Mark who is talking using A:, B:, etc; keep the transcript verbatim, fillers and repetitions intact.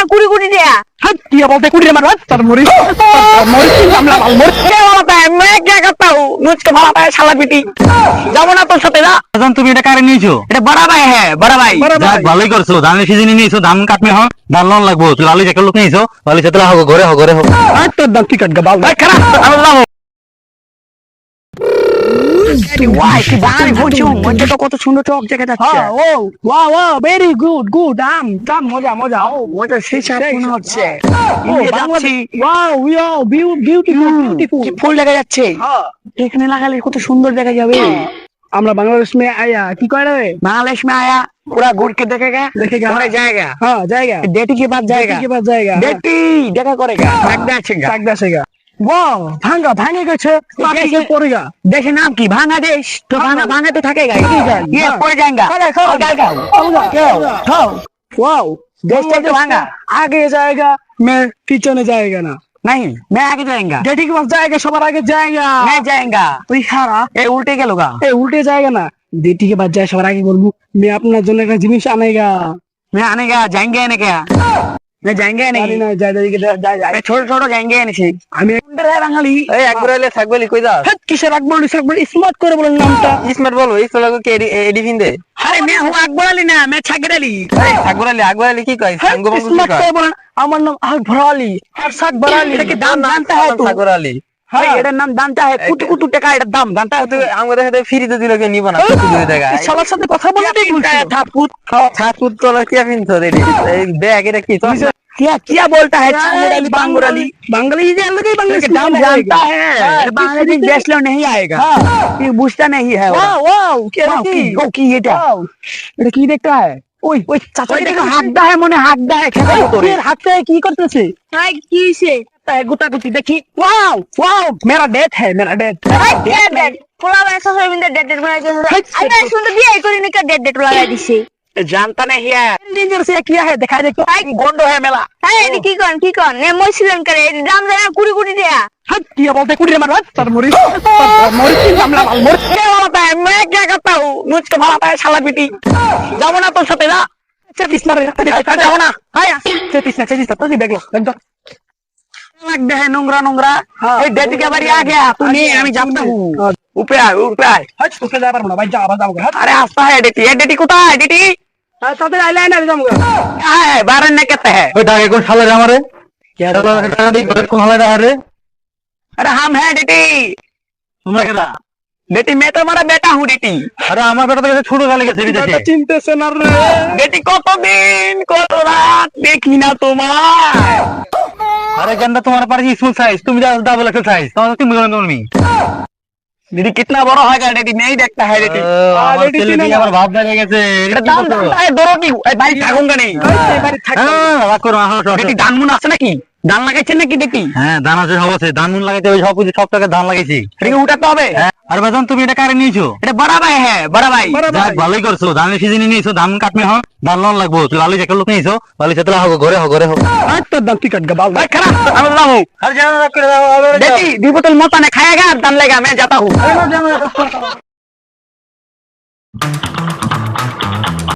A: কুড়ি কোটি টাকা।
B: हट क्या बोलते कुड़ी मारो तर मोरी मोरी की मामला माल मोरी
A: क्या बोलता है मैं क्या करता हूँ मुझको भगाता है শালা পিটি যাবো না তোর সাথে না
C: এখন তুমি এটা কারে নিয়েছো?
A: এটা বড় ভাই হ্যাঁ বড় ভাই
C: যাক ভালোই করছো, ধানের সিজনে নিয়েছো, ধান কাটবে হ, ধান লোন লাগবো, তুই লালি একটা লোক নিয়েছো, লালি সাথে হোক ঘরে হোক ঘরে হোক।
B: आज तो दंती कट गबाल
A: ভাই খারাপ আল্লাহ ওয়াই কি বাড়ি বলছো মধ্যে তো কত সুন্দর চক দেখা যাচ্ছে
B: हां ओ वाह वाह वेरी गुड गुड दाम दाम मजा मजा ओ
A: ওটা সেই সাপ মনে হচ্ছে
B: ओ
A: যাচ্ছি
B: वाओ वाओ বিউটিফুল বিউটিফুল
A: ফুল দেখা যাচ্ছে
B: हां
A: এখানে লাগালে কত সুন্দর দেখা যাবে
B: আমরা বাংলাদেশ में आया की कह रहे
A: बांग्लादेश में आया पूरा घूर के देखेगा
B: देखेगा।
A: और जाएगा
B: हां जाएगा
A: डेटी के बाद जाएगा
B: के बाद जाएगा
A: डेटी देखा करेगा भाग जाएगा
B: टाक दसेगा वाओ भांगा भांगे গেছে পাটি से पड़ेगा
A: देश नाम की बांग्लादेश तो भांगा भांगा तो थकेगा ये
B: हाँ।
A: पड़ जाएगा
B: खड़े, खड़े।
A: और जाएगा
B: होगा
A: क्यों
B: हाँ वाओ
A: देश तो भांगा
B: आगे जाएगा मैं पीछे में जाएगा ना
A: नहीं मैं आगे जाएगा
B: डेटी के पास जाएगा सবার आगे जाएगा
A: मैं जाएगा
B: তুই খারা
A: ये उल्टे के लोगा
B: ए उल्टे जाएगा ना डेटी के बाद जाए সবার আগে বলবো मैं আপনার জন্য একটা জিনিস আনেগা
A: मैं आने का जाएंगे ना क्या मैं जाएंगे
B: জানি
A: नहीं
B: না যাই যাই যাই যাই
A: मैं छोटे छोटे जाएंगे नहीं
B: আমি কোনটা রে বাঙালি
C: এই একবার এলে থাকবে কই যাস?
B: হেড কিসের আকবর আকবর স্মার্ট করে বলেন নামটা
C: স্মার্ট বলবো, এই চলাকে কে এডি ফিন্দে?
A: अरे मैं हूँ अकबर अली ना मैं छागर अली
C: এই আকবর আলী আকবর আলী কি কয়? সাঙ্গ বঙ্গ কি
B: স্মার্ট
C: কয়?
B: করে বলেন আমার নাম আকবর আলী আর আকবর আলী
A: এটা কি দাম জানता है तू
C: সাগর আলী।
A: भाई এটার নাম জানता है কুটি কুটি টাকা এটার দাম জানता है तू
C: আমাদের সাথে ফ্রিতে দিল কে নিব না কত দুই টাকা।
B: এই সবার সাথে কথা বলতে বলছি
A: थापुत
C: ছাতুর তোলা কি ফিনছো রে? এই ব্যাগ এটা কি? তুমি
A: क्या क्या बोलता है छागर अली बांगुर अली
B: বাঙালি যে अलग ही बांग्लादेश
A: इसके दाम जानता है बांग्लादेश देश लो नहीं आएगा ये बुझता नहीं है वो
B: वाओ वाओ क्या
A: वाओ,
B: কি
A: কি- ও কি এটা?
B: वाओ এটা কি দেখতে হয় ওই ওই চাচা
A: ওই
B: এটা
A: দেখো হাগদা है মনে হাগদা है খেতে তোরে
B: এর হাতে কি করতেছে
A: ভাই কি হইছে
B: তাই গুতাগুতি দেখি वाओ वाओ मेरा डेट है मेरा डेट
A: ডেট ডেট পোলা ভাষা সবিন্দে ডেট ডেট বানাই দিয়েছে আরে সুন্দর বিয়ে করি না ডেট ডেট লাগাই দিছে जानता नहीं है
B: डेंजर से किया है दिखाई देखो
A: গন্ড है মেলা এই এডি কি কোন কি কোন নে মই ছিলেন করে এডি দাম জানা কুড়ি কোটি টাকা
B: हट क्या बोलते कुड़ी मारो तर मोरी मोरी की मामला माल मोरी
A: क्या बोलता है मैं क्या करता हूँ मुझको भगाता है শালা পিটি যাবো না তোর সাথে না
B: चेतिस ना रे
A: যাবো না
B: आया चेतिस ना चेतिस तो नहीं बेगलो एकदम
A: लगता है নোংরা নোংরা
B: हाँ।
A: এই ডেট के बारी आ गया तू नहीं আমি জানता हूँ ऊपर आए ऊपर आए
B: हट उसके जा पर बड़ा भाई जा आवाज आओगे हट
A: अरे हंसता है डेटी ये डेटी कुत्ता है डेटी
B: साथे आईलाइनर जाऊंगा
A: क्या है बारह ने कहते हैं
C: ওই টাকা কোন শালা রে আমারে? কে টাকা দি কোন শালা রে আরে?
A: अरे हम हैं डेटी
C: তোমরা কেডা?
A: डेटी मैं तो हमारा बेटा हूँ डेटी
C: আরে আমার বেটা তো ছোট কালে গেছে বিদেশে।
B: चिंता से ना रे
A: डेटी কত দিন কত রাত দেখি না তোমার
C: আরে গন্ডা তোমার পারে স্মল সাইজ, তুমি যা ডাবল এক্সেল সাইজ, তোমার তুমি বলেন তুমি।
A: दीदी कितना बड़ा होगा डेटी नहीं देखता है डेटी
C: আমার
B: রেডি
C: ছেলে
B: কিনা
C: দিয়ে
B: না?
C: আমার ভাব লাগে গেছে।
A: এটা দাম জানता है दोनों की ए, भाई থাকুঙ্গা নেই
B: बारी थाक
C: হ্যাঁ রাগ করো না, আসো, আসো।
A: डेटी ধান মুন আছে নাকি ধান লাগাইছেন নাকি দেখি
C: হ্যাঁ ধান আছে, সব আছে, ধান মুন লাগাইতে হবে, সব কিছু সব টাকা ধান লাগাইছি।
A: এটাকে উঠাতে হবে
C: হ্যাঁ, আর বাজান তুমি এটা কারে নিয়েছো?
A: এটা বড় ভাই হ্যাঁ বড় ভাই
B: बड़ा
C: যাক ভালোই করছো, ধানের সিজনে নিয়েছো, ধান কাটবে হ, ধান লোন লাগবো, তুই লালি একটা লোক নিয়েছো, লালি সাথে হোক ঘরে হোক ঘরে হোক।
B: आज तो दंती कट गबाल
A: भाई खराब अल्लाह हूँ
C: আর জানো রাগ করে দাও, আবার যাও।
A: देखी दी बोतल मोता ने खाएगा दान लेगा मैं जाता हूँ
B: अरे जाओ